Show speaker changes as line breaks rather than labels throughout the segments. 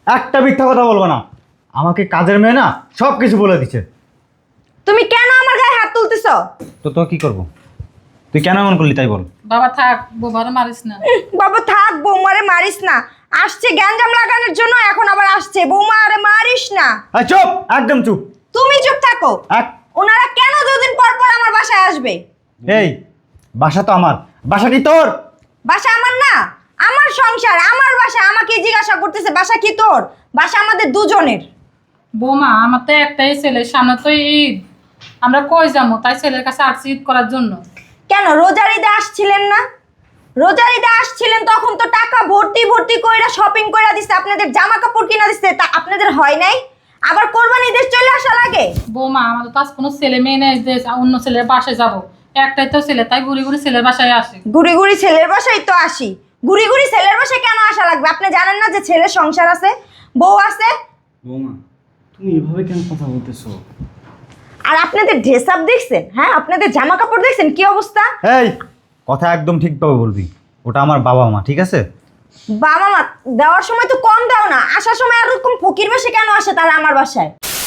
একটা মিথ্যা কথা বলবো না। আমাকে কাজের মেয়ে না সব কিছু বলে দিচ্ছে।
তুমি কেন আমার গায়ে হাত তুলতেছ?
তো কি করব? তুই কেন এমন করলি তাই বল।
বাবা থাক, বোবারে মারিস না।
বাবা থাক, বৌমারে মারিস না। আসছে গ্যাঞ্জাম লাগানোর জন্য, এখন আবার আসছে বৌমারে মারিস না।
এই চুপ, একদম চুপ।
তুমি চুপ থাকো।
এক
ওনারা কেন দুদিন পর পর আমার বাসায় আসবে?
এই বাসা তো আমার, বাসা কি তোর?
বাসা আমার না, আমার সংসার, আমার বাসা। আমাকে জিজ্ঞাসা করতেছে বাসা কি তোর? বাসা আমাদের দুজনের।
বৌমা, আমার তো একটাই ছেলে, সামনে তো ঈদ, আমরা কই যাবো? তাই ছেলের কাছে আসছি ঈদ করার জন্য।
কেন রোজার ঈদে আসছিলেন না? রোজার ঈদে আসছিলেন তখন তো টাকা ভর্তি ভর্তি কইরা শপিং কইরা দিছে, আপনাদের জামা কাপড় কিনা দিছে, তা আপনাদের হয় নাই? আবার কোরবানি ঈদে চলে আসা লাগে?
বৌমা, আমাদের তো আজ কোনো ছেলে মেয়ে নেই যে অন্য ছেলের বাসায় যাব। একটাই তো ছেলে, তাই ঘুরি ঘুরি ছেলের বাসায় আসি।
ঘুরি ঘুরি ছেলের বাসায় তো আসি। ঘুরি ঘুরি ছেলের বাসায় কেন আসা লাগবে? আপনি জানেন না যে ছেলের সংসার আছে, বউ আছে?
বৌমা, তুমি এভাবে কেন কথা বলতেছো?
আর আপনাদের ড্রেস আপ দেখছেন? হ্যাঁ, আপনাদের জামা কাপড় দেখছেন কি অবস্থা?
এই কথা একদম ঠিকভাবে বলবি। ওটা আমার বাবা মা, ঠিক আছে?
বাবা মা দেওয়ার সময় তো কম দাও না, আসার সময় আর এরকম ফকির বেশি কেন আসে তারা আমার বাসায়?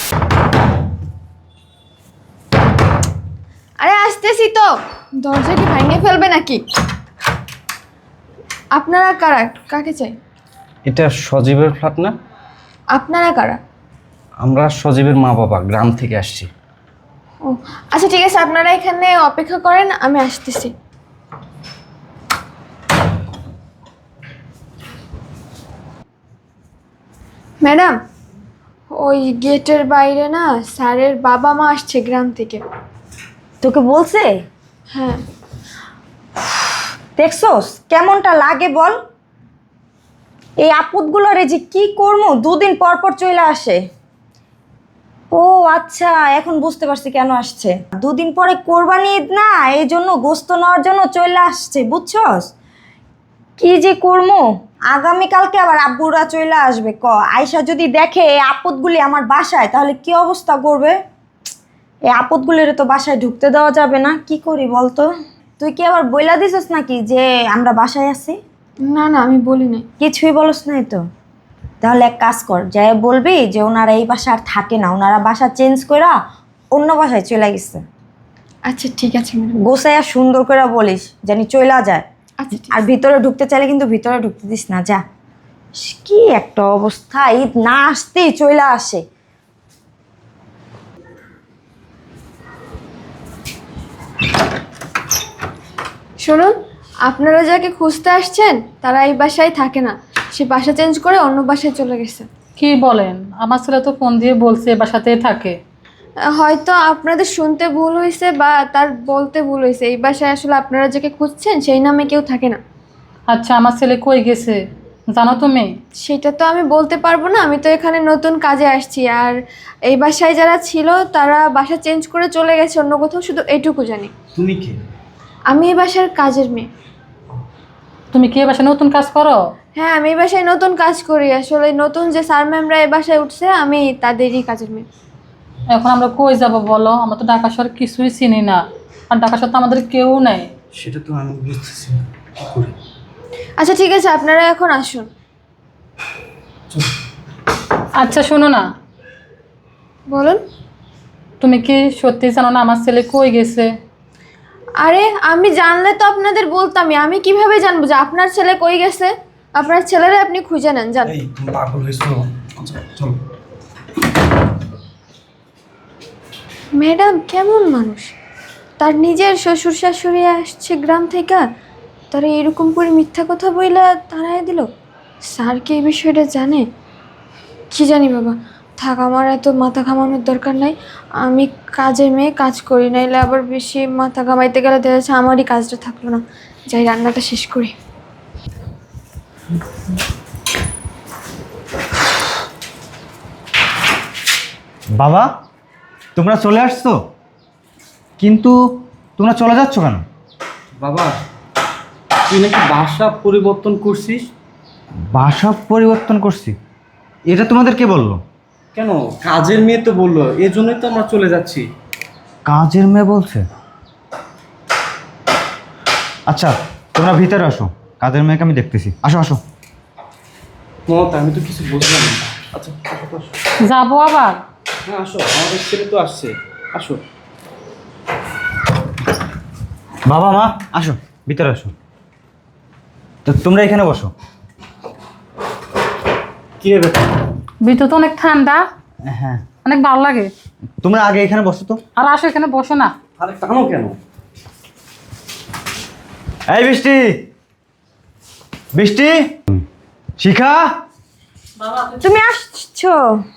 আরে আসতেছি তো, দরজা কি ভেঙে ফেলবে নাকি? আপনারা কারা? কাকে চাই?
এটা সজীবের ফ্ল্যাট না?
আপনারা কারা?
আমরা সজীবের মা বাবা, গ্রাম থেকে আসছি।
ও আচ্ছা ঠিক আছে, আপনারা এখানে অপেক্ষা করেন, আমি আসতেছি। ম্যাডাম, ওই গেটের বাইরে না স্যারের বাবা মা আসছে গ্রাম থেকে।
তোকে বলছে?
হ্যাঁ।
দেখছোস কেমনটা লাগে বল? এই আপদগুলোরে যে কি করবো, দুদিন পর পর চলে আসে। ও আচ্ছা, এখন বুঝতে পারছি কেন আসছে। দুদিন পরে কোরবানি ঈদ না, এই জন্য গোস্ত নেওয়ার জন্য চলে আসছে, বুঝছস? কি যে করবো, আগামীকালকে আবার আব্বুরা চলে আসবে। আয়সা যদি দেখে এই আপদগুলি আমার বাসায়, তাহলে কি অবস্থা করবে? এই আপদগুলির তো বাসায় ঢুকতে দেওয়া যাবে না। কি করি বলতো? তুই কি আবার বইলা দিছিস নাকি যে আমরা বাসায় আছি?
না না, আমি বলি নাই।
কিছুই বলস নাই তো? তাহলে এক কাজ কর, যাই বলবি যে ওনারা এই বাসা আর থাকে না, ওনারা বাসা চেঞ্জ কইরা অন্য বাসায় চলে গেছে।
আচ্ছা ঠিক আছে ম্যাডাম।
গোছাইয়া সুন্দর করে বলিস জানি চইলা যায়।
আচ্ছা ঠিক
আর ভিতরে ঢুকতে চাইলে কিন্তু ভিতরে ঢুকতে দিস না, যা। কি একটা অবস্থা, ঈদ না আসতেই চইলা আসে।
শুনুন, আপনারা যাকে খুঁজতে আসছেন তারা এই বাসায় থাকে না, সে বাসা চেঞ্জ করে অন্য বাসায় চলে গেছে।
কি বলেন? আমার ছেলে তো ফোন দিয়ে বলছে এ বাসাতেই থাকে।
হয়তো আপনাদের শুনতে ভুল হয়েছে বা তার বলতে ভুল হয়েছে, এই বাসায় আসলে আপনারা যাকে খুঁজছেন সেই নামে কেউ থাকে না।
আচ্ছা, আমার ছেলে কই গেছে জানো তুমি?
সেটা তো আমি বলতে পারবো না, আমি তো এখানে নতুন কাজে আসছি। আর এই বাসায় যারা ছিল তারা বাসা চেঞ্জ করে চলে গেছে অন্য কোথাও, শুধু এইটুকু জানি।
তুমি কে?
আমি এই বাসার কাজের মেয়ে।
তুমি কি এ বাসায় নতুন কাজ করো?
হ্যাঁ, আমি এই বাসায় নতুন কাজ করি। আসলে নতুন যে স্যার ম্যামরা এই বাসায় উঠছে, আমি তাদেরই কাজের মেয়ে।
এখন আমরা কই যাব বলো? আমরা তো ঢাকা শহর কিছুই চিনি না, আর ঢাকা শহর তো আমাদের কেউ নাই।
সেটা তো আমি বুঝতেছি না, কি করে?
আচ্ছা ঠিক আছে, আপনারা এখন আসুন।
আচ্ছা শোনো না,
বলুন।
তুমি কি সত্যি জানো না আমার ছেলে কই গেছে?
আরে আমি জানলে তো আপনাদের বলতামই, আমি কিভাবে জানবো যে আপনার ছেলে কই গেছে? আপনার ছেলেরা আপনি খুঁজে নেন, জান।
এই তুমি পাগল হয়েছো? চলো।
ম্যাডাম কেমন মানুষ, তার নিজের শ্বশুর শাশুড়ি আসছে গ্রাম থেকে, তারা এরকম করে মিথ্যা কথা বইলা তাড়াই দিল। স্যার কি এই বিষয়টা জানে? কি জানি বাবা, থাক, আমার এত মাথা ঘামানোর দরকার নাই। আমি কাজের মেয়ে, কাজ করি, নাইলে আবার বেশি মাথা ঘামাইতে গেলে দেখা যাচ্ছে আমারই কাজটা থাকলো না। যাই রান্নাটা শেষ করি।
বাবা, তোমরা চলে আসছো, কিন্তু তোমরা চলে যাচ্ছ কেন?
বাবা, তুই নাকি বাসা পরিবর্তন করছিস?
বাসা পরিবর্তন করছি? এটা তোমাদের কে বললো?
কেন, কাজের মেয়ে তো বললো, এজন্যই তো আমরা চলে যাচ্ছি।
কাজের মেয়ে বলছে? আচ্ছা তোমরা ভিতরে আসো, কাজের মেয়েকে আমি দেখতেছি। আসো আসো।
মমতা আমি তো কিছু বুঝলাম না। আচ্ছা আসো তো, আসো।
যাবো আবার?
হ্যাঁ আসো, আমাদের ছেলে তো আসছে, আসো।
বাবা মা আসো, ভিতরে আসো। তো তোমরা এখানে বসো।
কি রে ব্যাপার?
ভিতর তো অনেক ঠান্ডা,
হ্যাঁ,
অনেক ভালো লাগে।
তোমরা আগে এখানে বসো তো।
আর আসো, এখানে বসো না।
আরে টানো কেন?
এই বৃষ্টি, বৃষ্টি, শিখা,
তুমি আসছো,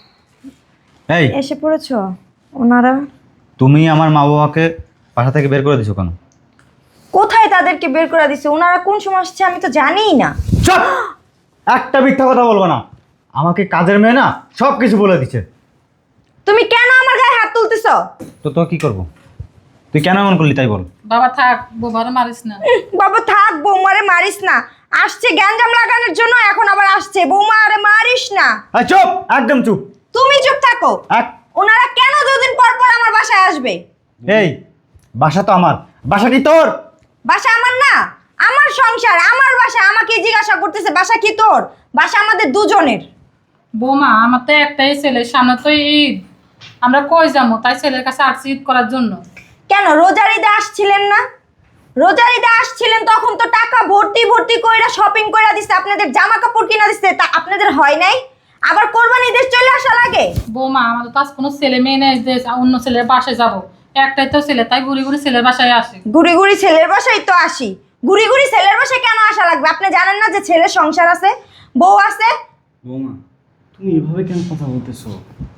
এই
এসে পড়েছো। ওনারা
তুমি আমার মা বাবাকে বাসা থেকে বের করে দিছো কেন?
কোথায় তাদেরকে বের করে দিছে? ওনারা কোন সময় আসছে আমি তো জানিই না।
চুপ! একটা মিথ্যা কথা বলবো না। আমাকে কাজের মেয়ে না সব কিছু বলে দিচ্ছে।
তুমি কেন আমার গায়ে হাত তুলতেছো?
তো কি করব? তুই কেন এমন করলি তাই বল।
বাবা থাক, বাবারে মারিস না।
বাবা থাক, বৌমারে মারিস না। আসছে গ্যাঞ্জাম লাগানোর জন্য, এখন আবার আসছে বৌমারে মারিস না।
এই চুপ, একদম চুপ।
তুমি চুপ থাকো।
এক-
ওনারা কেন দুদিন পর পর আমার বাসায় আসবে?
এই বাসা তো আমার, বাসা কি তোর?
বাসা আমার না, আমার সংসার, আমার বাসা। আমাকে জিজ্ঞাসা করতেছে বাসা কি তোর? বাসা আমাদের দুজনের।
বৌমা, আমার তো একটাই ছেলে, সামনে তো ঈদ, আমরা কই যাবো? তাই ছেলের কাছে আসছি ঈদ করার জন্য।
কেন রোজার ঈদে আসছিলেন না? রোজার ঈদে আসছিলেন তখন তো টাকা ভর্তি ভর্তি কইরা শপিং কইরা দিছে, আপনাদের জামা কাপড় কিনা দিছে, তা আপনাদের হয় নাই? আবার কোরবানি ঈদে চলে আসা লাগে?
বৌমা, আমাদের তো আজ কোনো ছেলে মেয়ে নেই যে অন্য ছেলের বাসায় যাবো। একটাই তো ছেলে, তাই ঘুরি ঘুরি ছেলের বাসায় আসে।
ঘুরি ঘুরি ছেলের বাসায় তো আসি। ঘুরি ঘুরি ছেলের বাসায় কেন আসা লাগবে? আপনি জানেন না যে ছেলের সংসার আছে, বউ আছে?
বৌমা তুমি এভাবে কেন কথা বলতেছো?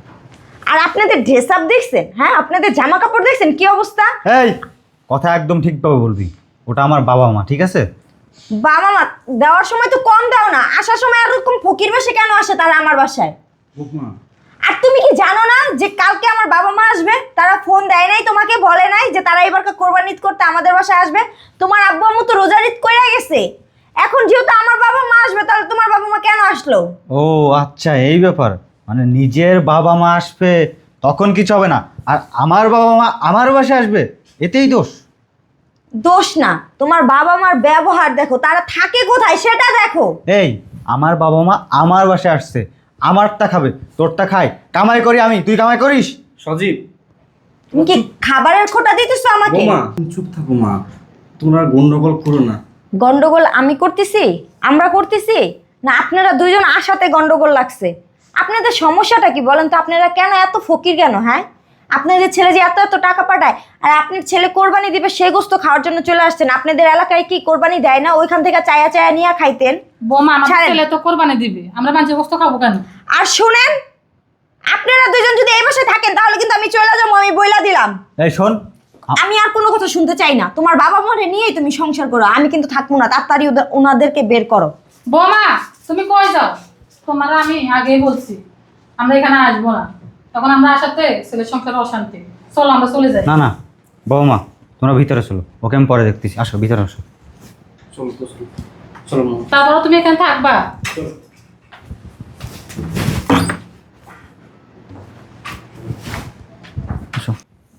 আর আপনাদের ড্রেস আপ দেখছেন? হ্যাঁ, আপনাদের জামা কাপড় দেখছেন কি অবস্থা?
এই কথা একদম ঠিকভাবে বলবি। ওটা আমার বাবা মা, ঠিক আছে?
বাবা মা দেওয়ার সময় তো কম দাও না, আসার সময় আর এরকম ফকির বেশে কেন আসে তারা আমার বাসায়?
বৌমা
আর তুমি কি জানো না যে কালকে আমার বাবা মা আসবে? তারা ফোন দেয় নাই তোমাকে, বলে নাই যে তারা এবার কোরবানি ঈদ করতে আমাদের বাসায় আসবে? তোমার আব্বু আম্মু তো রোজার ঈদ কইরা গেছে। এখন যেহেতু আমার বাবা মা আসবে, তাহলে তোমার বাবা মা কেন আসলো?
ও আচ্ছা, এই ব্যাপার। মানে নিজের বাবা মা আসবে তখন কিছু হবে না, আর আমার বাবা মা আমার বাসায় আসবে এতেই দোষ?
দোষ না, তোমার বাবা মার ব্যবহার দেখো, তারা থাকে কোথায় সেটা দেখো।
এই আমার বাবা মা আমার বাসায় আসছে, আমারটা খাবে, তোরটা খায়। কামাই করি আমি, তুই কামাই করিস?
সজীব,
তুমি কি খাবারের খোটা দিতেছো আমাকে?
বৌমা তুমি চুপ থাকো মা, তোমরা গন্ডগোল করো না।
গন্ডগোল আমি করতেছি? আমরা করতেছি না আপনারা দুইজন আশাতে গন্ডগোল লাগছে? আপনাদের সমস্যাটা কি বলেন তো? আপনারা কেন এত ফকির কেন? হ্যাঁ, আপনাদের ছেলে যে এত এত টাকা পাঠায়, আর আপনার ছেলে কোরবানি দিবে সে গোস্ত খাওয়ার জন্য চলে আসছেন। আপনাদের এলাকায় কি কোরবানি দেয় না? ওইখান থেকে চায়া চায়া নিয়ে খাইতেন।
বৌমা, আমার
ছাড়েন।
ছেলে তো কোরবানি দিবে, আমরা মানুষের বস্তু খাবো কেন?
আর শুনেন, আপনারা দুইজন যদি এই বাসায় থাকেন তাহলে কিন্তু আমি চলে যাবো, আমি বইলা দিলাম।
এই শোন,
আমি আর কোনো কথা শুনতে চাই না। তোমার বাবা মারে নিয়েই তুমি সংসার করো, আমি কিন্তু থাকবো না। তাড়াতাড়ি ওনাদেরকে বের করো।
বৌমা, তুমি কই যাও? তোমার আমি আগেই বলছি আমরা এখানে আসবো না, তখন আমরা আসাতে ছেলের সংসারে অশান্তি। চলো আমরা চলে যাই।
না না বাবা মা, তোমরা ভিতরে চলো, ওকে আমি পরে দেখতেছি। আসো ভিতরে আসো।
চলো তো চলো, চলো মামা
তারপরে তুমি এখানে থাকবা?
চলো।
আসো।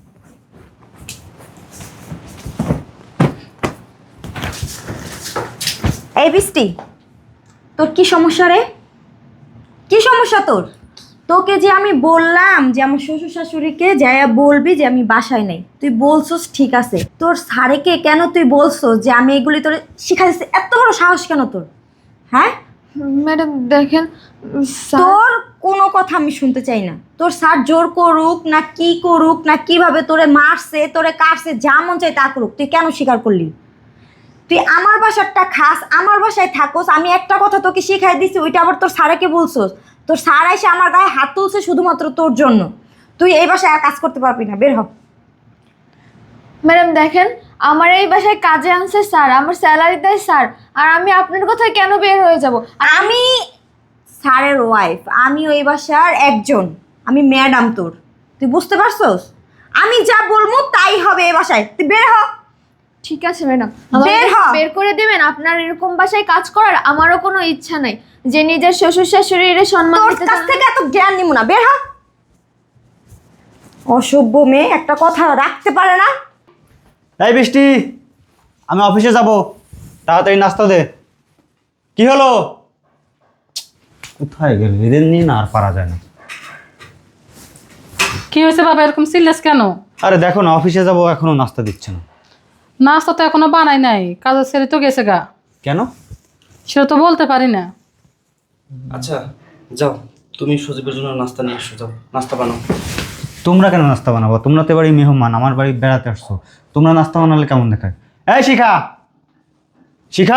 এই বৃষ্টি, তোর কি সমস্যা রে? কি সমস্যা তোর? তোকে যে আমি বললাম যে আমার শ্বশুর শাশুড়িকে যাইয়া বলবি যে আমি বাসায় নেই, তুই বলছস ঠিক আছে। তোর স্যারেকে কেন তুই বলছস যে আমি এগুলি তোর শিখাইছি? এত বড় সাহস কেন তোর? হ্যাঁ,
ম্যাডাম দেখেন, স্যার
তোর কোনো কথা আমি শুনতে চাই না। তোর স্যার জোর করুক না কি করুক না কিভাবে তোরে মারছে তোরে কাটছে, যা মন চাই তা করুক, তুই কেন স্বীকার করলি? তুই আমার বাসারটা খাস, আমার বাসায় থাকোস, আমি একটা কথা তোকে শিখাই দিছি, ওইটা আবার তোর স্যারকে বলছোস। তোর স্যার এসে আমার গায়ে হাত তুলছে শুধুমাত্র তোর জন্য। তুই এই বাসায় আর কাজ করতে পারবি না, বের হ।
ম্যাডাম দেখেন, আমার এই বাসায় কাজে আনছে স্যার, আমার স্যালারি দেয় স্যার, আর আমি আপনার কথায় কেন বের হয়ে যাব?
আমি স্যারের ওয়াইফ, আমি ওই বাসার একজন, আমি ম্যাডাম তোর। তুই বুঝতে পারছস? আমি যা বলবো তাই হবে এই বাসায়, তুই বের হ।
ঠিক আছে ম্যাডাম,
বের হ।
বের করে দিবেন। আপনার এরকম বাসায় কাজ করার আমারও কোনো ইচ্ছা নাই, যে নিজের শ্বশুর শাশুড়ির সম্মান
তোর
দিতে
কাছ
জানে
থেকে এত জ্ঞান নিব না, বের হ। অসভ্য মেয়ে, একটা কথা রাখতে পারে না।
এই বৃষ্টি, আমি অফিসে যাব, তাড়াতাড়ি নাস্তা দে। কি হলো? কোথায় গেল? এদের নিয়ে না আর পারা যায় না।
কি হয়েছে বাবা, এরকম সিরিয়াস কেন?
আরে দেখো না, অফিসে যাবো, এখনো নাস্তা দিচ্ছে না।
নাস্তা তো এখনো বানাই নাই, কাজের ছেড়ে তো গেছে গা।
কেন?
সেটা তো বলতে পারি না।
আচ্ছা যাও, তুমি সজীবের জন্য নাস্তা নিয়ে এসো, যাও নাস্তা বানাও।
তোমরা কেন নাস্তা বানাবো? তোমরা তো বাড়ি মেহমান, আমার বাড়ি বেড়াতে আসছো, তোমরা নাস্তা বানালে কেমন দেখায়? এই শিখা, শিখা,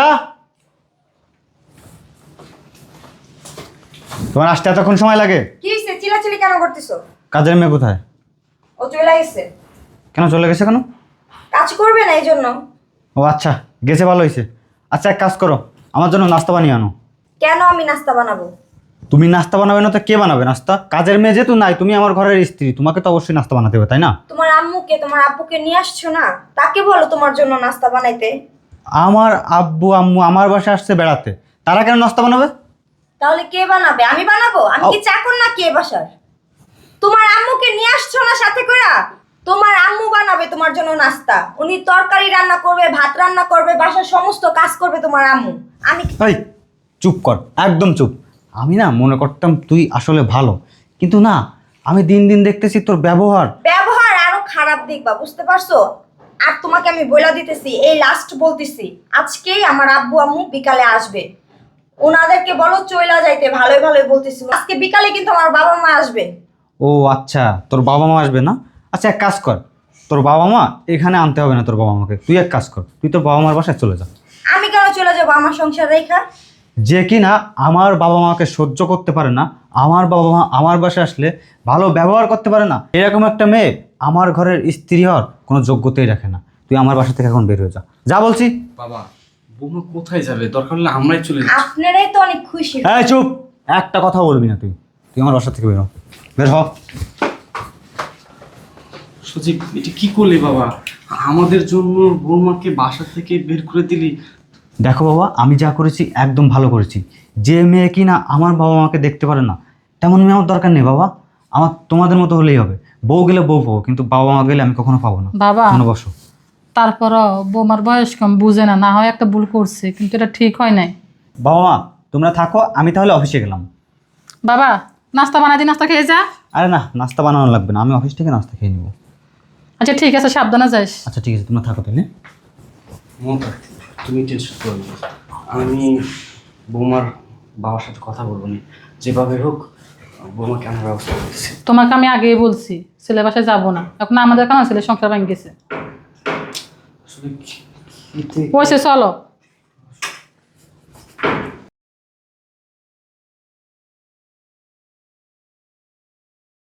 তোমার আসতে এতক্ষণ সময় লাগে?
কি হইছে? চিল্লাচিল্লি কেন করতেছো?
কাজের মেয়ে কোথায়?
ও চলে গেছে।
কেন চলে গেছে কেন?
কাজ করবে না এই জন্য।
ও আচ্ছা, গেছে, ভালো হয়েছে। আচ্ছা এক কাজ করো, আমার জন্য নাস্তা বানিয়ে আনো।
কেন আমি নাস্তা বানাবো?
তুমি নাস্তা বানাবে না তো কে বানাবে নাস্তা? কাজের মেয়ে যেহেতু নাই, তুমি আমার ঘরের স্ত্রী, তোমাকে তো অবশ্যই নাস্তা বানাতে হবে, তাই না?
তোমার আম্মুকে, তোমার আব্বুকে নিয়ে আসছো না, তাকে বলো তোমার জন্য নাস্তা বানাইতে।
আমার আব্বু আম্মু আমার বাসায় আসছে বেড়াতে, তারা কেন নাস্তা বানাবে?
তাহলে কে বানাবে? আমি বানাবো? আমি কি চাকর না কে বাসার? তোমার আম্মুকে নিয়ে আসছো না সাথে কইরা? তোমার আম্মু বানাবে তোমার জন্য নাস্তা। উনি তরকারি রান্না করবে, ভাত রান্না করবে, বাসার সমস্ত কাজ করবে তোমার আম্মু। আমি
এই চুপ কর, একদম চুপ। আমি না মনে করতাম তুই আসলে ভালো, কিন্তু না, আমি দিন দিন দেখতেছি তোর ব্যবহার।
ব্যবহার আরো খারাপ দেখবা, বুঝতে পারছো? আর তোমাকে আমি বইলা দিতেছি, এই লাস্ট বলতেছি, আজকেই আমার আব্বু আম্মু বিকালে আসবে। ওনাদেরকে বলো চইলা যাইতে, ভালোই ভালোই বলতেছি। আজকে বিকালে কিন্তু আমার বাবা মা আসবে।
ও আচ্ছা, তোর বাবা মা আসবে না? আচ্ছা এক কাজ কর, তোর বাবা মা এখানে আনতে হবে না তোর বাবা মাকে, তুই এক কাজ কর, তুই তোর বাবা মার বাসায় চলে যা।
আমি কেন চলে যাবো আমার সংসার রেখা?
যে কি না আমার বাবা মাকে সহ্য করতে পারে না, আমার বাবা মা আমার বাসায় আসলে ভালো ব্যবহার করতে পারে না, এরকম একটা মেয়ে আমার ঘরের স্ত্রী হওয়ার কোনো যোগ্যতাই রাখে না। তুই আমার বাসা থেকে এখন বের হয়ে যা, যা বলছি।
বাবা, বৌমা কোথায় যাবে? দরকার হলে আমরাই চলে যাচ্ছি।
আপনারাই তো অনেক খুশি।
এই চুপ, একটা কথা বলবি না তুই, তুই আমার বাসা থেকে বের হ, বের হ।
সজীব, এটা কি করলি বাবা? আমাদের জন্য বৌমাকে বাসা থেকে বের করে দিলি।
দেখো বাবা, আমি যা করেছি একদম ভালো করেছি। যে মেয়ে কি না আমার বাবা মাকে দেখতে পারে না, তেমন মেয়ে আমার দরকার নেই বাবা। আমার তোমাদের মতো হলেই হবে, বউ গেলে বউ পাবো, কিন্তু বাবা মা গেলে আমি কখনো পাবো না।
বাবা,
মনে বসো।
তারপরও বৌমার বয়স কম, বুঝে না, না হয় একটা ভুল করছে, কিন্তু এটা ঠিক হয় নাই।
বাবা মা তোমরা থাকো, আমি তাহলে অফিসে গেলাম।
বাবা, নাস্তা বানাই দি, নাস্তা খেয়ে যা।
আরে না, নাস্তা বানানো লাগবে না, আমি অফিস থেকে নাস্তা খেয়ে নিবো।
আচ্ছা ঠিক আছে, সাবধানে যাস।
আচ্ছা ঠিক আছে, তোমরা থাকো তাহলে।
মমতা, তুমি টেনশন করো না, আমি বৌমার বাবার সাথে কথা বলবো নি, যেভাবে হোক বৌমাকে আমার ব্যবস্থা করতেছি।
তোমাকে আমি আগেই বলছি ছেলে বাসায় যাবো না, এখন আমাদের কেন ছেলে সংসার ভেঙে গেছে।
আসলে কি- কি-
পয়সা চলো।